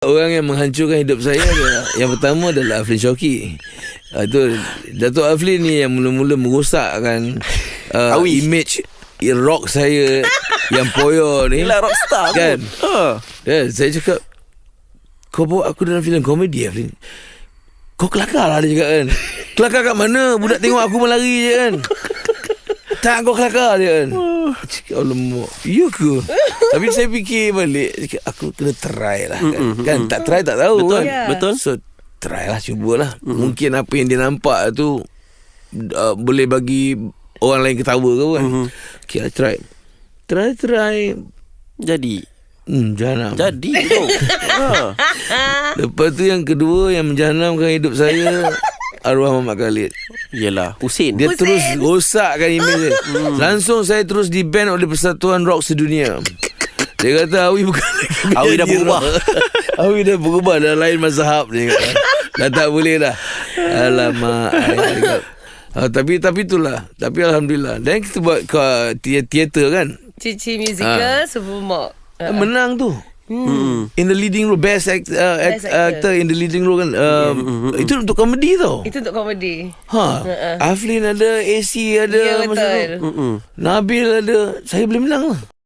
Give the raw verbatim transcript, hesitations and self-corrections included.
orang yang menghancurkan hidup saya adalah, yang pertama adalah Aflin Syauqi. Uh, tu Datuk Aflin ni yang mula-mula merosakkan uh, image rock saya yang poyo ni. Gila rockstar kan. uh. Dan saya cakap, kau bawa aku dalam filem komedi Aflin. Kau kelakar lah, dia cakap kan. Kelakar kat mana? Budak tengok aku melari je kan. Tak, kau kelakar dia kan. Cakap, alamak, ya ke? Tapi saya fikir balik, cakap, aku kena try lah kan. Mm-mm, kan tak try tak tahu. Betul, kan. yeah. Betul. So try lah, cubalah. Mm-hmm. Mungkin apa yang dia nampak tu uh, boleh bagi orang lain ketawa ke kan. Mm-hmm. Okay lah, try. Try try Jadi Hmm, jahanam. Jadi tu. ha. Lepas tu yang kedua yang menjahanamkan hidup saya, arwah Muhammad Khalid. Yelah, Husin. Dia Husin. terus rosakkan image dia. hmm. Langsung saya terus di-ban oleh Persatuan Rock Sedunia. Dia kata Awi bukan Awi dah berubah. Awi dah berubah, dah lain mazhab dia kata. Dah tak boleh dah. Alamak. Ha, tapi tapi itulah. Tapi alhamdulillah. Dan kita buat ke teater kan. Cici musical, ha. Super Mok. Uh, menang tu. Hmm. In the leading role, best, act, uh, act, Best actor. actor in the leading role kan. Um, mm-hmm. Itu untuk komedi tau. Itu untuk komedi. Ha. Uh-uh. Aflin ada, A C ada, Ya, betul. Nabil ada. Saya boleh menang lah.